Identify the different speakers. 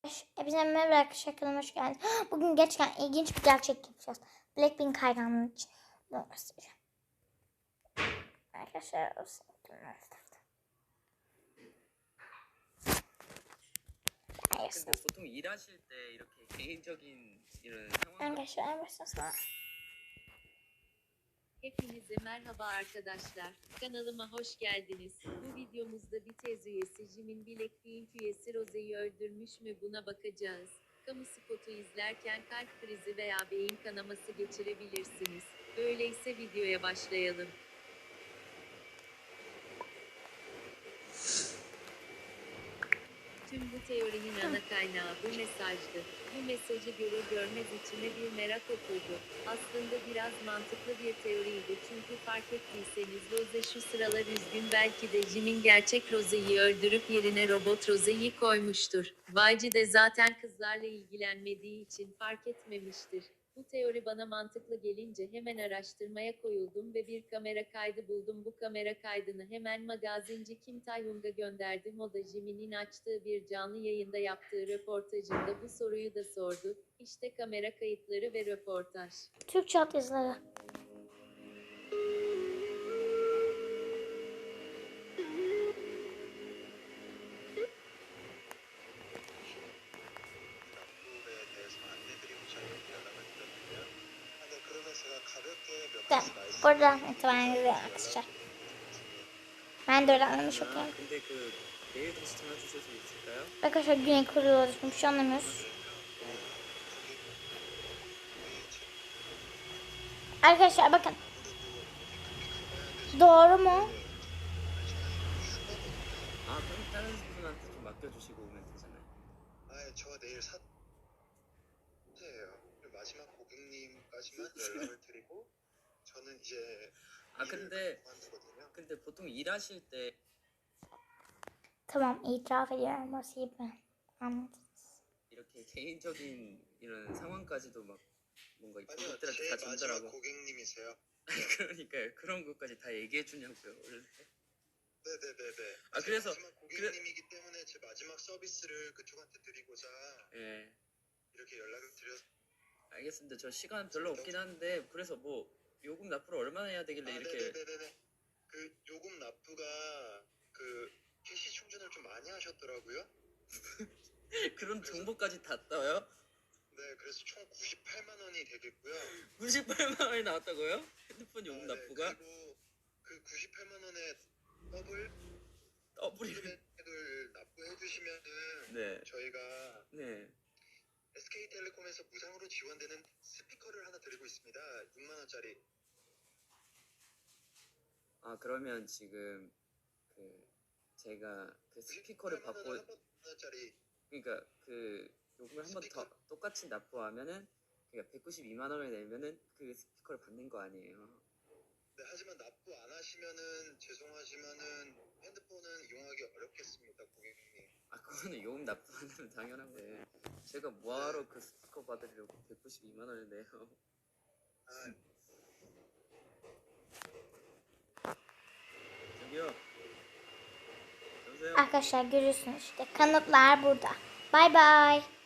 Speaker 1: Hepinize merhaba arkadaşlar, kanalıma hoş geldiniz. Bugün gerçekten ilginç bir gerçek yapacağız. Blackpink hayranlığı için bunu göstereceğim. arkadaşlar
Speaker 2: 근데 보통 일하실 때 이렇게 개인적인 이런 상황
Speaker 1: arkadaşlar en baştan sonra
Speaker 3: Hepinize merhaba arkadaşlar. Kanalıma hoş geldiniz. Bu videomuzda BTS üyesi Jimin Blackpink üyesi Rose'yi öldürmüş mü buna bakacağız. Kamu spotu izlerken kalp krizi veya beyin kanaması geçirebilirsiniz. Öyleyse videoya başlayalım. Tüm bu teorinin ana kaynağı bu mesajdı. Bu mesajı görür görmez içime bir merak oturdu. Aslında biraz mantıklı bir teoriydi çünkü fark ettiyseniz Rose şu sıralar üzgün, belki de Jimin gerçek Rose'yi öldürüp yerine robot Rose'yi koymuştur. YG de zaten kızlarla ilgilenmediği için fark etmemiştir. Bu teori bana mantıklı gelince hemen araştırmaya koyuldum ve bir kamera kaydı buldum. Bu kamera kaydını hemen magazinci Kim Tae-hyung'a gönderdim. O da Jimin'in açtığı bir canlı yayında yaptığı röportajında bu soruyu da sordu. İşte kamera kayıtları ve röportaj.
Speaker 1: Türkçe altyazıları. Buradan itibaren izleyelim arkadaşlar. Ben de öyle anlamış okuyorum.
Speaker 2: 근데 그 메일 다시 전화 주실 수 있을까요?
Speaker 1: Arkadaşlar Güney Kore'de bir şey anlamıyoruz. Arkadaşlar bakın. Doğru mu?
Speaker 2: 아 그럼 다른 분한테 좀 맡겨주시고 오면 되잖아요.
Speaker 4: 저 내일 사퇴해요. 마지막 고객님까지만 연락을 드리고 저는 이제
Speaker 2: 아 근데
Speaker 4: 그만두거든요.
Speaker 2: 보통 일하실 때
Speaker 1: Tamam, itiraf ediyorum. Nasıl ben? Anladınız.
Speaker 2: 이렇게 개인적인 이런 상황까지도 막 뭔가 이
Speaker 4: 아니요,
Speaker 2: 고객들한테
Speaker 4: 제
Speaker 2: 다
Speaker 4: 마지막
Speaker 2: 전달하고
Speaker 4: 고객님이세요.
Speaker 2: 그러니까요. 그런 것까지 다 얘기해 주냐고요. 원래.
Speaker 4: 네네네네.
Speaker 2: 아,
Speaker 4: 제
Speaker 2: 그래서-
Speaker 4: 마지막 고객님이기 때문에 제 마지막 서비스를 그쪽한테 드리고자
Speaker 2: 예.
Speaker 4: 이렇게 연락을 드렸.
Speaker 2: 알겠습니다. 저 시간 별로 없긴 한데 그래서 뭐 요금 납부를 얼마나 해야 되길래 이렇게
Speaker 4: 네네네네. 그 요금 납부가 그 캐시 충전을 좀 많이 하셨더라고요.
Speaker 2: 그런 정보까지 다 떠요?
Speaker 4: 네, 그래서 총 98만 원이 되겠고요.
Speaker 2: 98만 원이 나왔다고요? 핸드폰 요금 납부가?
Speaker 4: 네, 그리고 그 98만 원에
Speaker 2: 더블이
Speaker 4: 금액을 납부해 주시면은
Speaker 2: 네.
Speaker 4: 저희가
Speaker 2: 네.
Speaker 4: SK텔레콤에서 무상으로 지원되는 스피커를 하나 드리고 있습니다. 6만 원짜리.
Speaker 2: 아 그러면 지금 그 제가 그 스피커를
Speaker 4: 98만
Speaker 2: 받고
Speaker 4: 원, 1만 원짜리.
Speaker 2: 그러니까 그 요금을 한 번 더 똑같이 납부하면은 그러니까 192만 원을 내면은 그 스피커를 받는 거 아니에요?
Speaker 4: 네, 하지만 납부 안 하시면은 죄송하지만은 핸드폰은 이용하기 어렵겠습니다, 고객님.
Speaker 2: 아 그거는 요금 납부 안 하면 당연한 거예요. 제가 뭐하러 그 스피커 받으려고 192만 원을 내요.
Speaker 4: 아,
Speaker 2: 저기요. 여보세요.
Speaker 1: Arkadaşlar görüyorsunuz işte kanıtlar burada. Bay bay.